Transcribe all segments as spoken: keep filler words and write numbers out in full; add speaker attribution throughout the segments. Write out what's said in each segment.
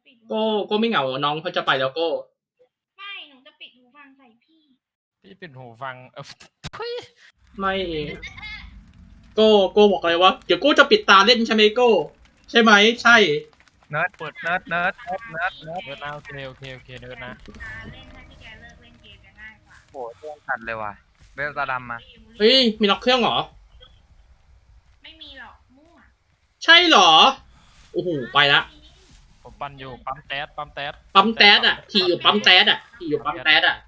Speaker 1: ปิดหู
Speaker 2: โก้โก้ไม่เหงาน้องเขาจะไปแล้วโก้
Speaker 1: ไม่หนูจะปิดหูฟังใส่พี่
Speaker 3: พี่ปิดหูฟังเออเฮ้ย
Speaker 2: ไม่เองโก้โก้บอกเลยว่าเดี๋ยวโก้จะปิดตาเล่นใช่ไหมโก้ใช่ไหมใช่
Speaker 4: เนิร์ดเปิดเนิร์ดเนิร์ดเนิร์ดเนิร์ดเนิร์ด
Speaker 3: เนิร์ดนะโอเคโอเคโอเคเนิร์ดนะ
Speaker 1: ตาเล่นถ้าที่แกเลิกเล่นเกมจะง่ายกว่า
Speaker 4: โอ้โหเรื่องตัดเลยว่ะเบลตาดำมา
Speaker 2: เฮ้ยมีล็อกเครื่องเหรอ
Speaker 1: ไม่มีหรอกมั่ว
Speaker 2: ใช่เหรอโอ้โหไปละ
Speaker 3: ผมปั่นอยู่ปั๊มแต๊ดปั๊มแต๊ด
Speaker 2: ปั๊มแต๊ดอ่ะทีอยู่ปั๊มแต๊ดอ่ะทีอยู่ปั๊มแต๊ดอ่ะ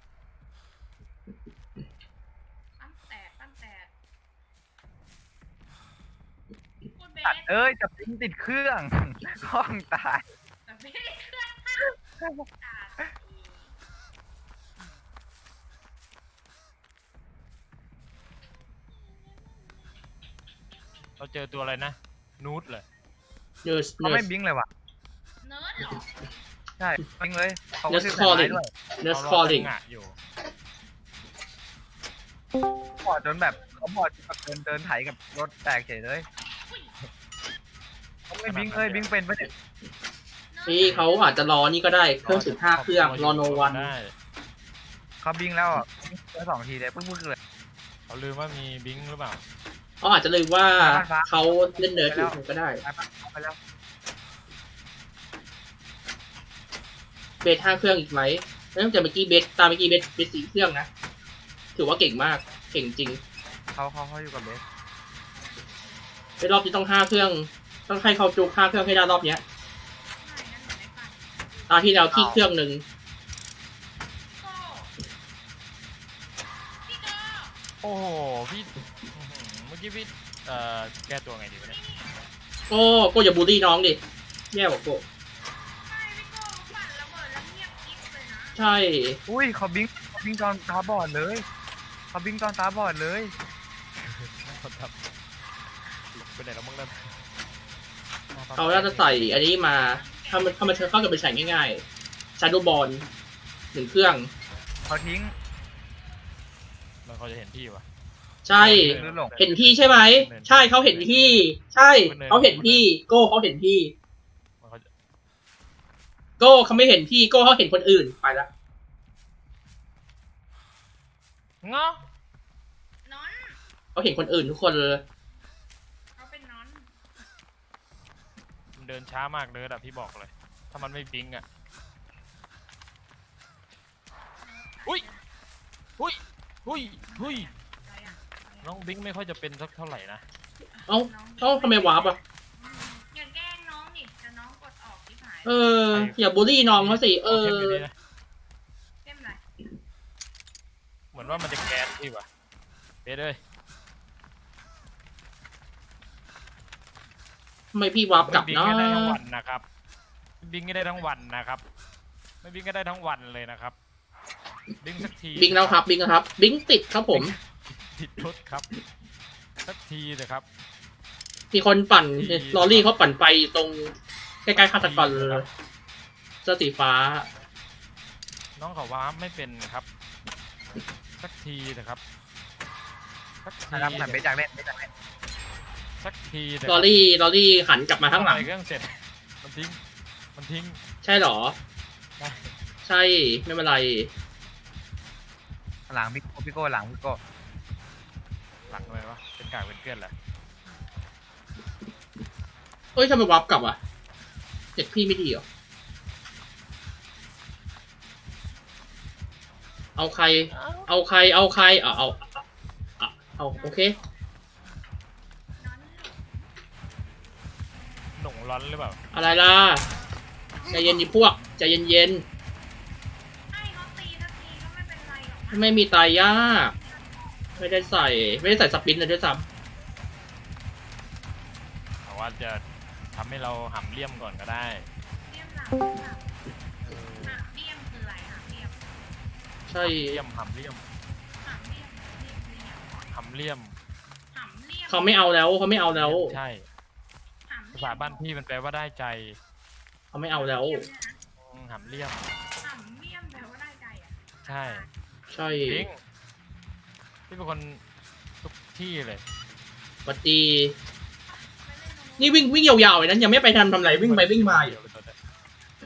Speaker 1: ปั้นแตกปั้นแตกพูดเบ
Speaker 4: ตัด
Speaker 1: ส
Speaker 4: เอ้ยจับทิ้งติดเครื่อง ห้องตาย
Speaker 1: แต่เบสเครื่องตาตาอี
Speaker 3: เราเจอตัวอะไรนะนูดเลย
Speaker 2: เนิร์ส
Speaker 4: เขา
Speaker 2: เนิร์
Speaker 4: ไม่
Speaker 2: ส
Speaker 4: บิงเลยว่ะ
Speaker 1: เนิร์ดเหรอ
Speaker 4: ใช่บิงเลยเขา
Speaker 2: Nurse
Speaker 4: ซื้อสายไม้
Speaker 2: calling
Speaker 4: ด้วย
Speaker 2: เนิร์ส
Speaker 3: เรา
Speaker 2: คอลลิ่ง
Speaker 3: จังหวะอยู่
Speaker 4: บอดจนแบบเขาบอดจนแบบเดินเดินไถกับรถแตกเฉยเลยเขาไม่บิงเลยบิงเป็นปะเนี่ย
Speaker 2: นี่เขาอาจจะรอนี่ก็ได้เครื่องสิบห้าเครื่องรอโนวัน
Speaker 3: ได้
Speaker 4: เขาบิงแล้วอ่ะบิงแค่สองทีเลยปึ๊กๆเลย
Speaker 3: เขาลืมว่ามีบิงหรือเปล่า
Speaker 2: เขาอาจจะลืมว่าเขาเล่นเนิร์สอยู่ก็ได้
Speaker 4: ไปปะเอาไปแล้ว
Speaker 2: เบสห้าเครื่องอีกไหมแล้วตั้งแต่เมื่อกี้เบสตามเมื่อกี้เบสเบสสี่เครื่องนะถือว่าเก่งมากเก่งจริง
Speaker 4: เขาเขาเขาอยู่กับเบส
Speaker 2: ในรอบนี้ต้องห้าเครื่อง ต้องให้เขาจูห้าเครื่องให้ได้รอบเนี้ย
Speaker 1: ไม่งั้นหนูไม่ปั่น
Speaker 2: ตาที่แล้วที่เครื่องหนึ่ง
Speaker 1: โก้พี่โก้
Speaker 3: โอ้โหพี่อื้อหือเมื่อกี้พี่เอ่อแก้ตัวไงดีวะเนี่ย
Speaker 2: โอ้โก้อย่าบูลลี่น้องดิแย่กว่าโก้
Speaker 1: ไม่พี่โก้ปั่นระเบิดแล้วเงียบกิ๊บเลยนะ
Speaker 2: ใช่
Speaker 4: อุ้ยเขาบิงเขาบิงตอนตาบอดเลยเขาบิงตอนตาบอดเลย
Speaker 3: คนทำหลบไปไหนแล้วมึงนั่น
Speaker 2: เขาน่าจะใส่อันนี้มาถ้ามันถ้ามันเชิญเข้ากับไปใส่ง่ายๆชาร์โดบอลหนึ่งเครื่อง
Speaker 4: เขาทิ้ง
Speaker 3: มันเขาจะเห็นพี่วะ
Speaker 2: ใช่
Speaker 4: หรือหลง
Speaker 2: เห็นพี่ใช่ไหมใช่เขาเห็นพี่ ใช่เขาเห็นพี่ โก้เขาเห็นพี่
Speaker 3: มันเขาจะ
Speaker 2: โก้เขาไม่เห็นพี่โก้เขาเห็นคนอื่นไปละ
Speaker 3: เงาะ
Speaker 1: นอน
Speaker 2: เขาเห็นคนอื่นทุกคนเลย
Speaker 1: เขาเป็นนอน
Speaker 3: มันเดินช้ามากเลยอะพี่บอกเลย ถ้ามันไม่บิงอะอุ้ยอุ้ยอุ้ยอุ้ย
Speaker 1: อะไรอ่ะอะไรอ่ะ
Speaker 3: น้องบิงไม่ค่อยจะเป็นสักเท่าไหร่นะ
Speaker 2: เอ้าเอ้าทำไมวาร์ปอ่ะ
Speaker 1: อย่าแกล้งน้องดิจะน้องกดออกที่หาย
Speaker 2: เอออย่าบูลลี่น้องเขาสิเอ
Speaker 3: เท
Speaker 2: อ
Speaker 3: มอยู่นี่นะ
Speaker 1: เต็มไร
Speaker 3: เหมือนว่ามันจะแก๊สพี่วะเบ๊ดเลย
Speaker 2: ทำไมพี่วาร์ปกลับ
Speaker 3: บิง
Speaker 2: เนาะ
Speaker 3: ก็ได้ทั้งวันนะครับบิงก็ได้ทั้งวันนะครับ ไม่บิงก็ได้ทั้งวันเลยนะครับบิงสักที
Speaker 2: บิงแล้วครับบิงแล้วครับ บิงติดครับผม
Speaker 3: ติดรถครับสักทีเลยครับ
Speaker 2: มีคนปั่นลอรี่เขาปั่นไปตรงใกล้ๆฆาตกรเลยเสื้อสีฟ้า
Speaker 3: น้องเขาว้าไม่เป็นครับ สักทีนะครับสักที
Speaker 4: นะครับเหมือนเบสอยากเล่นเบสอยากเล่น
Speaker 3: สักทีนะ
Speaker 2: ลอรี่ลอรี่หันกลับมาข้างหลัง
Speaker 3: เครื่องเสร็จมันทิ้งมันทิ้ง
Speaker 2: ใช่เหรอ
Speaker 3: ได้
Speaker 2: ใช่ไม่เป็นไร
Speaker 4: หลังพี่โก้พี่โก้หลังพี่โก้
Speaker 3: หลังเลยวะเป็นกากเป็นเกลื่อนแหละ
Speaker 2: เอ้ยทำไมวาร์ปกลับอ่ะเจ็ดพี่ไม่ดีเหรอ เอาใคร เอาใคร เอาใครเอาเอาเอาเอาโอเค
Speaker 1: นอน
Speaker 3: หนุ่งร้อนหรือเปล่า
Speaker 2: อะไรล่ะ ใจเย็นดิพวก ใจเย็นเย็น
Speaker 1: ให้เขาตีสักทีก็ไม่เป็นไรหรอก
Speaker 2: ๆไม่มีตายยาก ไม่ได้ใส่ ไม่ได้ใส่สปินเลยด้วยซ้
Speaker 3: แต่ว่าจะทำให้เราหำเลี่ยมก่อนก็ได้
Speaker 1: เลี่ยมหลังเลี่ยมหลัง
Speaker 3: เออ
Speaker 1: หาเลี่ยมคืออะไรหาเลี่ยม
Speaker 2: ำใช่
Speaker 3: เลี่ยมหำเลี่ยม
Speaker 1: หาเลี่ยมเลี่ยมเลี่ยม
Speaker 3: หำเลี่ยม
Speaker 1: หำเลี่ยม
Speaker 2: เขาไม่เอาแล้วเขาไม่เอาแล้ว
Speaker 3: ใช่
Speaker 1: หำ
Speaker 3: ภา
Speaker 1: เลี่ย
Speaker 3: ษาม บ้านพี่มันแปลว่าได้ใจ
Speaker 2: เขาไม่เอาแล้ว
Speaker 3: อืมหำเลี่ยม
Speaker 1: หำเลี่ยมแปลว่าได้ใจอ่ะ
Speaker 3: ใช่
Speaker 2: ใช่
Speaker 3: บิงพี่เป็นคนทุกที่เลย
Speaker 2: ปฏีนี่วิ่งวิ่งยาวๆเลยนั้นยังไม่ไปทำทำไรวิ่งไปวิ่งมาอยู่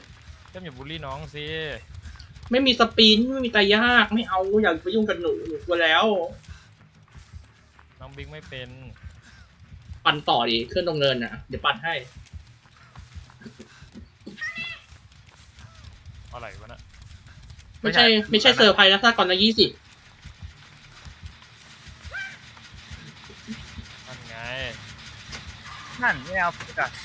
Speaker 3: ก็อย่าบูลลี่น้องสิ
Speaker 2: ไม่มีสปินไม่มีตายยากไม่เอาอย่าไปยุ่งกับหนูหนูกลัวแล้ว
Speaker 3: น้องบิงไม่เป็น
Speaker 2: ปั่นต่อดิเครื่องตรงเนินน่ะเดี๋ยวปั่นให้
Speaker 3: อะไรวะน่ะ
Speaker 2: ไม่ใช่ไม่ใช่เซอร์ไพรส์นะถ้าก่อนละยี่สิบ
Speaker 3: นั่นไง
Speaker 4: นั่นไม่เอาผิดอ่ะ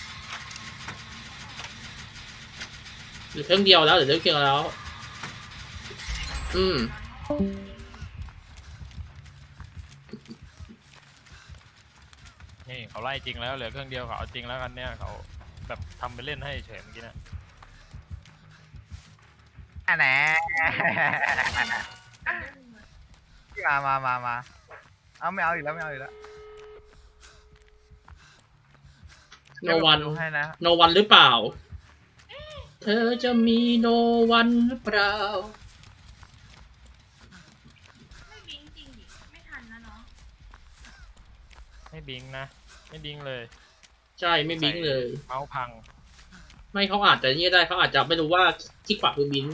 Speaker 2: หรือเครื่องเดียวแล้วหรือเครื่องเดียวแล้ว อืม
Speaker 3: นี่เขาไล่จริงแล้วเหลือเครื่องเดียวเขาเอาจริงแล้วกันเนี่ยเขาแบบทำไปเล่นให้เฉยเมื่อกี้นะ
Speaker 4: อันไหนมามามามาเอาไม่เอาอีกแล้วไม่เอาอีกแล้ว
Speaker 2: โนวัน
Speaker 4: ดูให้นะ
Speaker 2: โนวันหรือเปล่า เธอจะมีโนวันหรือเปล่า
Speaker 1: ไม่บิงจริงดิไม่ทันนะเนาะ
Speaker 3: ไม่บิงนะไม่บิงเลย
Speaker 2: ใช่ไม่บิงเลย
Speaker 3: เมาส์พัง
Speaker 2: ไม่เขาอาจจะนี่ได้เขาอาจจะไม่รู้ว่าที่ขวาคือบิง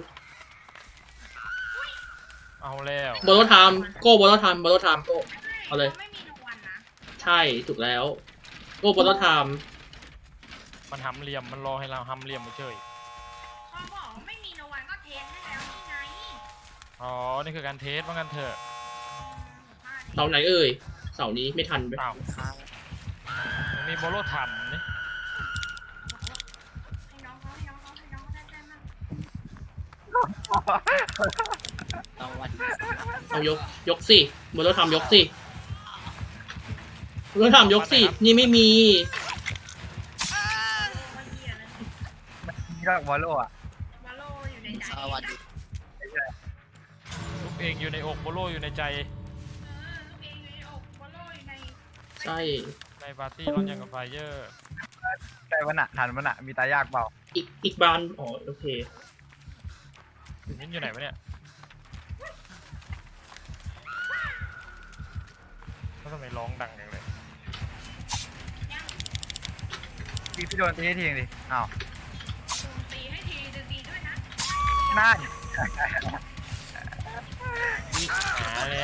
Speaker 3: เอาแล้ว
Speaker 2: โบโลไทม์โก้โบโลไทม์โบโลไทม์โก้ เอาเลย
Speaker 1: ไม่มีโนวันนะ
Speaker 2: ใช่ถูกแล้วโก้โบโลไทม์
Speaker 3: มันหำเหลี่ยมมันรอให้เราหำเหลี่ยมมาเฉย
Speaker 1: เขาบอกว่าไม่มีโนวันก็เทสให้แล้วนี่ไง
Speaker 3: อ๋อนี่คือการเทสว่างั้นเถอะ
Speaker 2: เสาไหนเอ่ยเสานี้ไม่ทันไป
Speaker 3: อ้าวมันมีโบโลทัมนี่
Speaker 1: ให้น้องเขาให้น้องเขาให้น้องเขาได้ได้มาก
Speaker 2: เอายกยกสิโบโลไทม์ยกสิโบโลไทม์ยกสินี่ไม่มี
Speaker 1: ว่าเหี้ยแล้วนี่
Speaker 4: นี่ก็วอลโล่อะ
Speaker 1: วาโลอยู่ในใจ
Speaker 5: สวัสดี
Speaker 3: ลูกเองอยู่ในอกโบโลอยู่ในใจ
Speaker 1: เออลูกเองอยู่ในอกวาโลอยู่ใน
Speaker 2: ใช่
Speaker 3: ในปาร์ตี้ร้อนยังกับไฟเยอร์
Speaker 4: ใจวันน่ะทันวันน่ะมีตายากเปล่า
Speaker 2: อีกอีกบานอ๋อโอเค
Speaker 3: มิ้นอยู่ไหนวะเนี่ยแล้วทำไมร้องดังอย่างเลย
Speaker 4: พี่พี่โดนตีให้ทีนึงดิอ้าว
Speaker 1: ตูนตีให้ทีดึงดีด้วยนะ
Speaker 4: นั่น
Speaker 3: หาเลย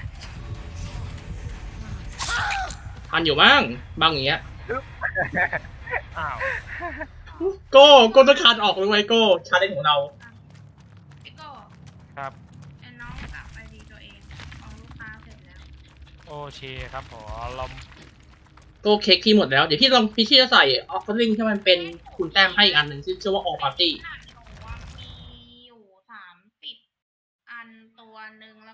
Speaker 2: ทันอยู่บ้างบางอย่างเงี้ย
Speaker 3: อ้าว
Speaker 2: โก้โก้ต้องคานออกเลยไว้โก้ชาเลนจ์ของเรา
Speaker 1: พี่โก้
Speaker 3: ครับ
Speaker 1: ไอ้น้องกลับไปดีตัวเองของลูกค้าเสร็จแล้ว
Speaker 3: โอเคครับผมลม
Speaker 2: โก้เค้กที่หมดแล้วเดี๋ยวพี่ลองพี่ที่จะใส่ออฟเฟอร์ลิงที่มันเป็นคุณแต้มให้อีกอันหนึ่งที่ชื่อว่า all party
Speaker 1: ขนาดหนูอะมีอยู่สามสิบอันตัวหนึ่งแล้ว